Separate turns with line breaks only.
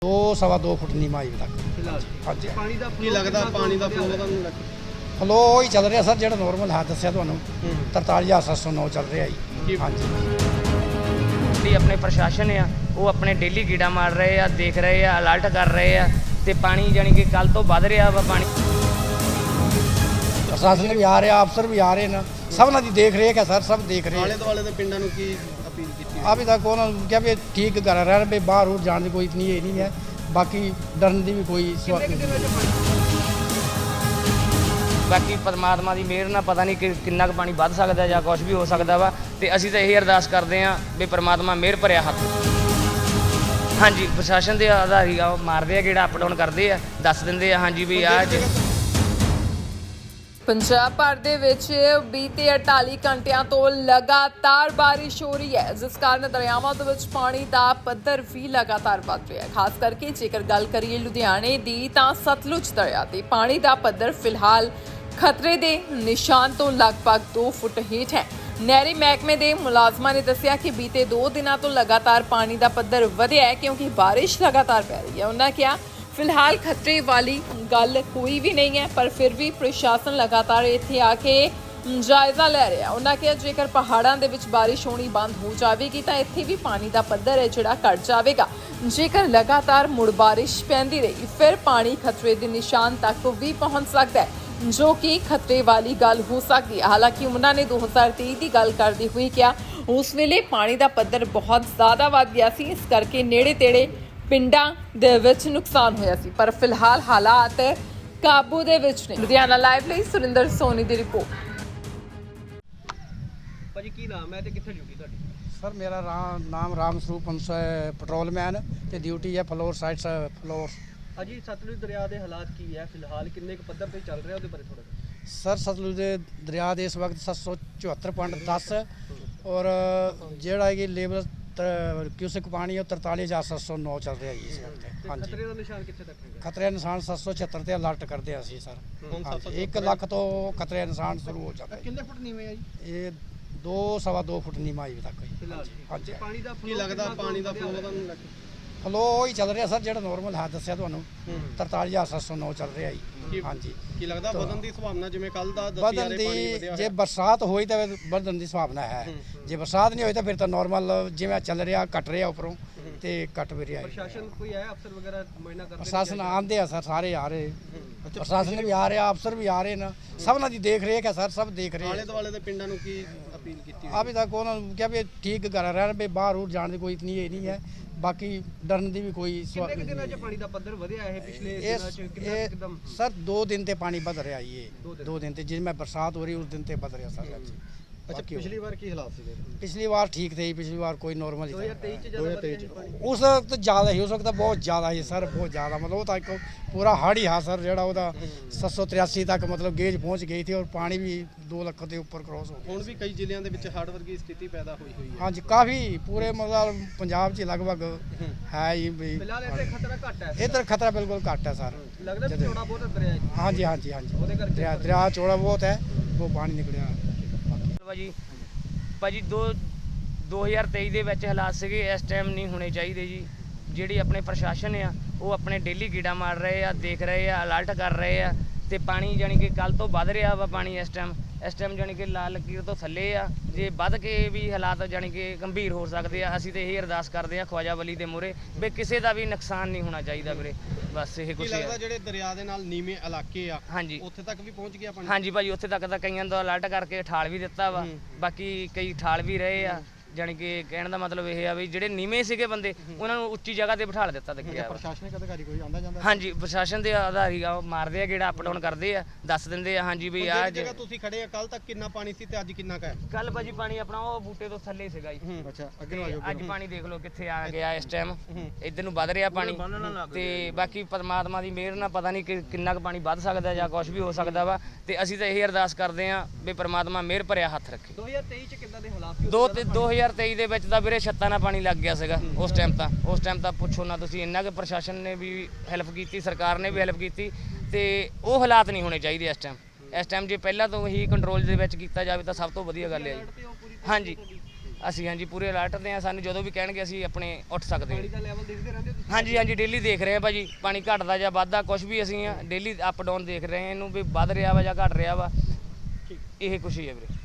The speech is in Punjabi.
2 सवा 2 फुट नीमा अजे तक
फिलहाल
हाँ जी।
पानी ਦਾ ਕੀ ਲੱਗਦਾ ਪਾਣੀ ਦਾ ਫਲੋ ਤੁਹਾਨੂੰ ਲੱਗਦਾ
फ्लो ही चल रहा सर जो नॉर्मल है दसिया ਤੁਹਾਨੂੰ 43,709 चल रहा जी हाँ जी।
ਜਿਹੜੀ ਆਪਣੇ ਪ੍ਰਸ਼ਾਸਨ ਆ ਉਹ ਆਪਣੇ ਡੇਲੀ ਗੀੜਾ ਮਾਰ ਰਹੇ ਆ, ਦੇਖ ਰਹੇ ਆ, ਅਲਰਟ ਕਰ ਰਹੇ ਆ ਤੇ ਪਾਣੀ ਜਾਨੀ ਕਿ ਕੱਲ ਤੋਂ ਵੱਧ ਰਿਹਾ ਵਾ ਪਾਣੀ।
ਪ੍ਰਸ਼ਾਸਨ ਵੀ ਆ ਰਿਹਾ, ਅਫਸਰ ਵੀ ਆ ਰਹੇ ਨੇ, ਸਭਨਾਂ ਦੀ ਦੇਖ ਰੇਖ ਹੈ ਸਰ, ਸਭ ਦੇਖ ਰਹੇ
ਆਲੇ ਦੁਆਲੇ ਦੇ ਪਿੰਡਾਂ ਨੂੰ ਕੀ ਅਪੀਲ ਕੀਤੀ
अभी तक उन्होंने क्या भी ठीक कर रहे हैं, भी बाहर और जाने की कोई इतनी ये नहीं है, बाकी डरने की भी कोई
ਬਾਕੀ ਪਰਮਾਤਮਾ ਦੀ ਮਿਹਰ ਨਾਲ ਪਤਾ ਨਹੀਂ ਕਿ ਕਿੰਨਾ ਕੁ ਪਾਣੀ ਵੱਧ ਸਕਦਾ ਜਾਂ ਕੁਝ ਵੀ ਹੋ ਸਕਦਾ ਵਾ ਤੇ ਅਸੀਂ ਤਾਂ ਇਹੀ ਅਰਦਾਸ ਕਰਦੇ ਹਾਂ ਵੀ ਪਰਮਾਤਮਾ ਮਿਹਰ ਭਰਿਆ ਹੱਥ। ਹਾਂਜੀ ਪ੍ਰਸ਼ਾਸਨ ਦੇ ਆਧਾਰੀ ਆ, ਉਹ ਮਾਰਦੇ ਆ ਗੇੜਾ, ਅਪ ਡਾਊਨ ਕਰਦੇ ਆ, ਦੱਸ ਦਿੰਦੇ ਆ ਹਾਂਜੀ ਵੀ ਆ
ਪੰਜਾਬ ਭਰ ਦੇ ਵਿੱਚ ਬੀਤੇ 48 ਘੰਟਿਆਂ ਤੋਂ ਲਗਾਤਾਰ ਬਾਰਿਸ਼ ਹੋ ਰਹੀ ਹੈ, ਜਿਸ ਕਾਰਨ ਦਰਿਆਵਾਂ ਦੇ ਵਿੱਚ ਪਾਣੀ ਦਾ ਪੱਧਰ ਵੀ ਲਗਾਤਾਰ ਵੱਧ ਰਿਹਾ ਹੈ। ਖਾਸ ਕਰਕੇ ਜੇਕਰ ਗੱਲ ਕਰੀਏ ਲੁਧਿਆਣੇ ਦੀ ਤਾਂ ਸਤਲੁਜ ਦਰਿਆ ਤੇ ਪਾਣੀ ਦਾ ਪੱਧਰ ਫਿਲਹਾਲ ਖਤਰੇ ਦੇ ਨਿਸ਼ਾਨ ਤੋਂ ਲਗਭਗ 2 ਫੁੱਟ ਹੇਠ ਹੈ। ਨਹਿਰੀ ਮਹਿਕਮੇ ਦੇ ਮੁਲਾਜ਼ਮਾਂ ਨੇ ਦੱਸਿਆ ਕਿ ਬੀਤੇ 2 ਦਿਨਾਂ ਤੋਂ ਲਗਾਤਾਰ ਪਾਣੀ ਦਾ ਪੱਧਰ ਵਧਿਆ ਹੈ ਕਿਉਂਕਿ ਬਾਰਿਸ਼ ਲਗਾਤਾਰ ਪੈ ਰਹੀ ਹੈ। ਉਹਨਾਂ ਕਿਹਾ ਫਿਲਹਾਲ ਖਤਰੇ ਵਾਲੀ ਗੱਲ ਕੋਈ ਵੀ ਨਹੀਂ ਹੈ, ਪਰ ਫਿਰ ਵੀ ਪ੍ਰਸ਼ਾਸਨ ਲਗਾਤਾਰ ਇੱਥੇ ਆ ਕੇ ਜਾਇਜ਼ਾ ਲੈ ਰਿਹਾ। ਉਹਨਾਂ ਕਿਹਾ ਜੇਕਰ ਪਹਾੜਾਂ ਦੇ ਵਿੱਚ ਬਾਰਿਸ਼ ਹੋਣੀ ਬੰਦ ਹੋ ਜਾਵੇਗੀ ਤਾਂ ਇੱਥੇ ਵੀ ਪਾਣੀ ਦਾ ਪੱਧਰ ਹੈ ਜਿਹੜਾ ਘਟ ਜਾਵੇਗਾ। ਜੇਕਰ ਲਗਾਤਾਰ ਮੁੜ ਬਾਰਿਸ਼ ਪੈਂਦੀ ਰਹੀ ਫਿਰ ਪਾਣੀ ਖਤਰੇ ਦੇ ਨਿਸ਼ਾਨ ਤੱਕ ਵੀ ਪਹੁੰਚ ਸਕਦਾ ਹੈ, ਜੋ ਕਿ ਖਤਰੇ ਵਾਲੀ ਗੱਲ ਹੋ ਸਕਦੀ ਹੈ। ਹਾਲਾਂਕਿ ਉਹਨਾਂ ਨੇ 2023 ਦੀ ਗੱਲ ਕਰਦੇ ਹੋਏ ਕਿਹਾ ਉਸ ਵੇਲੇ ਪਾਣੀ ਦਾ ਪੱਧਰ ਬਹੁਤ ਜ਼ਿਆਦਾ ਵੱਧ ਗਿਆ ਸੀ, ਇਸ ਕਰਕੇ ਨੇੜੇ ਤੇੜੇ ਪਿੰਡਾਂ ਦੇ ਵਿੱਚ ਨੁਕਸਾਨ ਹੋਇਆ ਸੀ, ਪਰ ਫਿਲਹਾਲ ਹਾਲਾਤ ਕਾਬੂ ਦੇ ਵਿੱਚ ਨੇ। ਲੁਧਿਆਣਾ ਲਾਈਵ ਲਈ ਸੁਰਿੰਦਰ ਸੋਨੀ ਦੀ ਰਿਪੋਰਟ।
ਭਾਜੀ ਕੀ ਨਾਮ ਹੈ ਤੇ ਕਿੱਥੇ ਡਿਊਟੀ ਤੁਹਾਡੀ?
सर मेरा नाम राम स्वरूप हंस है, पेट्रोलमैन ਤੇ ਡਿਊਟੀ ਹੈ ਫਲੋਰ ਸਾਈਡ ਫਲੋਰ।
ਅਜੀ ਸਤਲੁਜ ਦਰਿਆ ਦੇ ਹਾਲਾਤ ਕੀ ਹੈ ਫਿਲਹਾਲ, ਕਿੰਨੇ ਕੁ ਪੱਧਰ ਤੇ ਚੱਲ ਰਿਹਾ ਉਹਦੇ ਬਾਰੇ ਥੋੜਾ ਜਿਹਾ।
ਸਰ ਸਤਲੁਜ ਦੇ ਦਰਿਆ ਦੇ ਇਸ ਵਕਤ 774.10 ਔਰ ਜਿਹੜਾ ਕਿ ਲੇਵਲ क्यूसिक पानी है 43,709 चल रहा है इस वक्त। हाँ जी।
ਖਤਰੇ ਦਾ ਨਿਸ਼ਾਨ ਕਿੱਥੇ ਤੱਕ ਹੈਗਾ?
खतरे निशान 776 ਤੇ ਅਲਰਟ ਕਰਦੇ ਅਸੀਂ ਸਰ।
ਹੁਣ
हाँ जी, 1 ਲੱਖ ਤੋਂ ਖਤਰੇ ਨਿਸ਼ਾਨ ਸ਼ੁਰੂ ਹੋ ਜਾਂਦਾ ਹੈ।
ਕਿੰਨੇ ਫੁੱਟ ਨੀਵੇਂ ਆ ਜੀ?
ਇਹ 2 ਸਵਾ 2 ਫੁੱਟ ਨੀਮਾ ਅਜੇ ਤੱਕ
ਫਿਲਹਾਲ
हाँ जी।
ਪਾਣੀ ਦਾ ਕੀ ਲੱਗਦਾ ਪਾਣੀ ਦਾ ਫਲੋ ਤੁਹਾਨੂੰ ਲੱਗਦਾ
ਫਲੋ ਹੀ ਚੱਲ ਰਿਹਾ ਸਰ ਜਿਹੜਾ ਨੋਰਮਲ ਹੈ ਦਸਿਆ ਤੁਹਾਨੂੰ 43,709 ਚੱਲ ਰਿਹਾ ਜੀ हाँ जी।
ਕੀ ਲੱਗਦਾ ਵਧਣ ਦੀ ਸੰਭਾਵਨਾ ਜਿਵੇਂ ਕੱਲ ਦਾ ਦੱਸੀ ਜਾ
ਵਧਣ
ਰਹੇ ਪਾਣੀ
ਦੀ
ਵਧਿਆ
ਜੇ ਬਰਸਾਤ ਹੋਈ ਤਾਂ ਵਧਣ ਦੀ ਸੰਭਾਵਨਾ ਹੈ, ਜੇ ਬਰਸਾਤ ਨਹੀਂ ਹੋਈ ਤਾਂ ਫਿਰ ਤਾਂ ਨੋਰਮਲ ਜਿਵੇਂ ਚੱਲ ਰਿਹਾ ਘਟ ਰਿਹਾ ਉੱਪਰੋਂ ਤੇ ਘਟ ਵੀ ਰਿਹਾ।
ਪ੍ਰਸ਼ਾਸਨ ਕੋਈ ਹੈ ਅਫਸਰ ਵਗੈਰਾ ਮੁਆਇਨਾ ਕਰਦੇ?
ਪ੍ਰਸ਼ਾਸਨ ਆਉਂਦੇ ਆ ਸਰ, ਸਾਰੇ ਆ ਰਹੇ, ਪ੍ਰਸ਼ਾਸਨ ਵੀ ਆ ਰਿਹਾ, ਅਫਸਰ ਵੀ ਆ ਰਹੇ ਨੇ, ਸਭਨਾਂ ਦੀ ਦੇਖ ਰੇਖ ਹੈ ਸਰ, ਸਭ ਦੇਖ ਰਹੇ।
ਆਲੇ ਦੁਆਲੇ ਦੇ ਪਿੰਡਾਂ ਨੂੰ ਕੀ ਅਪੀਲ ਕੀਤੀ?
अभी तक उन्होंने क्या भी ठीक कर रहे हैं, भी बाहर और जाने की कोई इतनी ये नहीं है, बाकी डरने की भी कोई
ਕਿੰਨੇ ਦਿਨਾਂ 'ਚ ਪਾਣੀ ਦਾ ਪੱਧਰ ਵਧਿਆ ਹੈ ਪਿਛਲੇ ਦਿਨਾਂ 'ਚ ਕਿੰਨਾ ਇੱਕਦਮ?
सर 2 दिन ते पानी बद रहा है, ये 2 दिन ते जिसमें बरसात हो रही है उस दिन ते बद रहा सर।
ਅੱਛਾ ਪਿਛਲੀ ਵਾਰ ਕੀ ਹਾਲਾਤ ਸੀਗੇ?
पिछली बार ठीक थे, पिछली बार कोई नॉर्मल ही था।
2023 ਚ ਜ਼ਿਆਦਾ ਵਧਿਆ ਨਹੀਂ ਪਾਣੀ?
उस वक्त ज़्यादा ही, उस वक्त बहुत ज़्यादा ही सर, बहुत ज़्यादा मतलब वो तो एक पूरा हड़ ही हा सर, ਜਿਹੜਾ ਉਹਦਾ 783 ਤੱਕ ਮਤਲਬ ਗੇਜ ਪਹੁੰਚ ਗਈ थी और पानी भी 2 ਲੱਖ ਦੇ ਉੱਪਰ ਕ੍ਰੋਸ ਹੋ ਗਿਆ।
ਹੁਣ ਵੀ ਕਈ ਜ਼ਿਲ੍ਹਿਆਂ ਦੇ ਵਿੱਚ ਹੜ੍ਹ ਵਰਗੀ ਸਥਿਤੀ ਪੈਦਾ ਹੋਈ ਹੈ।
हाँ जी, काफ़ी पूरे मतलब पंजाब 'ਚ लगभग है ही भी।
ਫਿਲਹਾਲ ਇੱਥੇ ਖਤਰਾ ਘੱਟ ਹੈ।
इधर खतरा बिल्कुल घट है सर।
ਲੱਗਦਾ ਵੀ ਥੋੜਾ ਬਹੁਤ ਦਰਿਆ ਹੈ।
हाँ जी हाँ जी हाँ जी,
ਉਹਦੇ ਕਰਕੇ
दरिया चौड़ा बहुत है, वो पानी निकलिया।
ਭਾਜੀ 2023 ਦੇ ਵਿੱਚ ਹਾਲਾਤ ਸੀਗੇ, ਇਸ ਟਾਈਮ ਨਹੀਂ ਹੋਣੇ ਚਾਹੀਦੇ ਜੀ। ਜਿਹੜੀ ਆਪਣੇ ਪ੍ਰਸ਼ਾਸਨ ਆ ਉਹ ਆਪਣੇ ਡੇਲੀ ਗੀੜਾ ਮਾਰ ਰਹੇ ਆ, ਦੇਖ ਰਹੇ ਆ, ਅਲਰਟ ਕਰ ਰਹੇ ਆ ਤੇ ਪਾਣੀ ਜਾਨੀ ਕਿ ਕੱਲ ਤੋਂ ਵੱਧ ਰਿਹਾ ਵਾ ਪਾਣੀ। ਇਸ ਟਾਈਮ ਜਾਨੀ ਕਿ ਲਾਲ ਲਕੀਰ ਤੋਂ ਥੱਲੇ ਆ, ਜੇ ਵੱਧ ਕੇ ਵੀ ਹਾਲਾਤ ਜਾਨੀ ਕਿ ਗੰਭੀਰ ਹੋ ਸਕਦੇ ਆ। ਅਸੀਂ ਤਾਂ ਇਹ ਅਰਦਾਸ ਕਰਦੇ ਆ ਖਵਾਜਾ ਵਲੀ ਦੇ ਮੂਹਰੇ ਵੀ ਕਿਸੇ ਦਾ ਵੀ ਨੁਕਸਾਨ ਨਹੀਂ ਹੋਣਾ ਚਾਹੀਦਾ ਵੀਰੇ, ਬਸ ਇਹ ਕੁਛ
ਲੱਗਦਾ
ਹੈ।
ਜਿਹੜੇ ਦਰਿਆ ਦੇ ਨਾਲ ਨੀਵੇਂ ਇਲਾਕੇ ਆ
ਹਾਂਜੀ
ਉੱਥੇ ਤੱਕ ਵੀ ਪਹੁੰਚ ਗਿਆ ਪਾਣੀ?
ਹਾਂਜੀ ਭਾਜੀ, ਉੱਥੇ ਤੱਕ ਤਾਂ ਕਈਆਂ ਦਾ ਅਲਰਟ ਕਰਕੇ ਠਾਲ ਵੀ ਦਿੱਤਾ ਵਾ, ਬਾਕੀ ਕਈ ਠਾਲ ਵੀ ਰਹੇ ਆ। ਜਾਣੀ ਕਿ ਕਹਿਣ ਦਾ ਮਤਲਬ ਇਹ ਆ ਵੀ ਜਿਹੜੇ ਨੀਵੇਂ ਸੀਗੇ ਬੰਦੇ ਉਹਨਾਂ ਨੂੰ ਉੱਚੀ ਜਗ੍ਹਾ ਤੇ ਬਿਠਾ ਦਿੱਤਾ ਗਿਆ।
ਪ੍ਰਸ਼ਾਸਨਿਕ ਅਧਿਕਾਰੀ ਕੋਈ ਆਂਦਾ ਜਾਂਦਾ?
ਹਾਂਜੀ ਪ੍ਰਸ਼ਾਸਨ ਦੇ ਆਧਾਰੀ ਆ, ਉਹ ਮਾਰਦੇ ਆ ਗੇੜਾ, ਅਪ ਡਾਊਨ ਕਰਦੇ ਆ, ਦੱਸ ਦਿੰਦੇ ਆ ਹਾਂਜੀ ਵੀ ਆ
ਜਗ੍ਹਾ ਤੁਸੀਂ ਖੜੇ ਆ ਕੱਲ ਤੱਕ ਕਿੰਨਾ ਪਾਣੀ ਸੀ ਤੇ ਅੱਜ ਕਿੰਨਾ ਕੁ ਹੈ?
ਕੱਲ ਭਾਜੀ ਪਾਣੀ ਆਪਣਾ ਉਹ ਬੂਟੇ ਤੋਂ ਥੱਲੇ ਸੀਗਾ ਜੀ।
ਅੱਛਾ
ਤੇ ਅੱਜ ਪਾਣੀ ਦੇਖ ਲਓ ਕਿੱਥੇ ਆ ਗਿਆ ਇਸ ਟਾਈਮ, ਇੱਧਰ ਨੂੰ ਵੱਧ ਰਿਹਾ ਪਾਣੀ ਤੇ ਬਾਕੀ ਪਰਮਾਤਮਾ ਦੀ ਮਿਹਰ ਨਾਲ ਪਤਾ ਨਹੀਂ ਕਿ ਕਿੰਨਾ ਕੁ ਪਾਣੀ ਵੱਧ ਸਕਦਾ ਜਾਂ ਕੁਝ ਵੀ ਹੋ ਸਕਦਾ ਵਾ ਤੇ ਅਸੀਂ ਤਾਂ ਇਹ ਅਰਦਾਸ ਕਰਦੇ ਆ ਵੀ ਪਰਮਾਤਮਾ ਮਿਹਰ ਭਰਿਆ ਹੱਥ ਰੱਖੇ।
2023 ਚ ਕਿੱਦਾਂ ਦੇ ਹਾਲਾਤ ਸੀ?
2023 ਦੇ ਵਿੱਚ ਤਾਂ ਵੀਰੇ ਛੱਤਾਂ ਨਾਲ ਪਾਣੀ ਲੱਗ ਗਿਆ ਸੀਗਾ ਉਸ ਟਾਈਮ ਤਾਂ ਪੁੱਛੋ ਨਾ ਤੁਸੀਂ। ਇੰਨਾ ਕਿ ਪ੍ਰਸ਼ਾਸਨ ਨੇ ਵੀ ਹੈਲਪ ਕੀਤੀ, ਸਰਕਾਰ ਨੇ ਵੀ ਹੈਲਪ ਕੀਤੀ ਤੇ ਉਹ ਹਾਲਾਤ ਨਹੀਂ ਹੋਣੇ ਚਾਹੀਦੇ ਇਸ ਟਾਈਮ ਜੇ ਪਹਿਲਾਂ ਤੋਂ ਹੀ ਕੰਟਰੋਲ ਦੇ ਵਿੱਚ ਕੀਤਾ ਜਾਵੇ ਤਾਂ ਸਭ ਤੋਂ ਵਧੀਆ ਗੱਲ ਹੈ ਜੀ। ਹਾਂਜੀ ਅਸੀਂ ਹਾਂਜੀ ਪੂਰੇ ਅਲਰਟ ਤੇ ਆ। ਸਾਨੂੰ ਜਦੋਂ ਵੀ ਕਹਿਣਗੇ ਅਸੀਂ ਆਪਣੇ ਉੱਠ ਸਕਦੇ
ਪਾਣੀ ਦਾ ਲੈਵਲ ਦੇਖਦੇ ਰਹਿੰਦੇ ਹੋ ਤੁਸੀਂ?
ਹਾਂ। ਹਾਂਜੀ ਡੇਲੀ ਦੇਖ ਰਹੇ ਆ ਭਾਜੀ, ਪਾਣੀ ਘਟਦਾ ਜਾਂ ਵੱਧਦਾ ਕੁਝ ਵੀ ਅਸੀਂ ਡੇਲੀ ਅਪ ਡਾਊਨ ਦੇਖ ਰਹੇ ਆ ਇਹਨੂੰ ਵੀ ਵੱਧ ਰਿਹਾ ਵਾ ਜਾਂ ਘਟ ਰਿਹਾ ਵਾ। ਇਹ ਕੁਛ ਹੀ ਹੈ ਵੀਰੇ।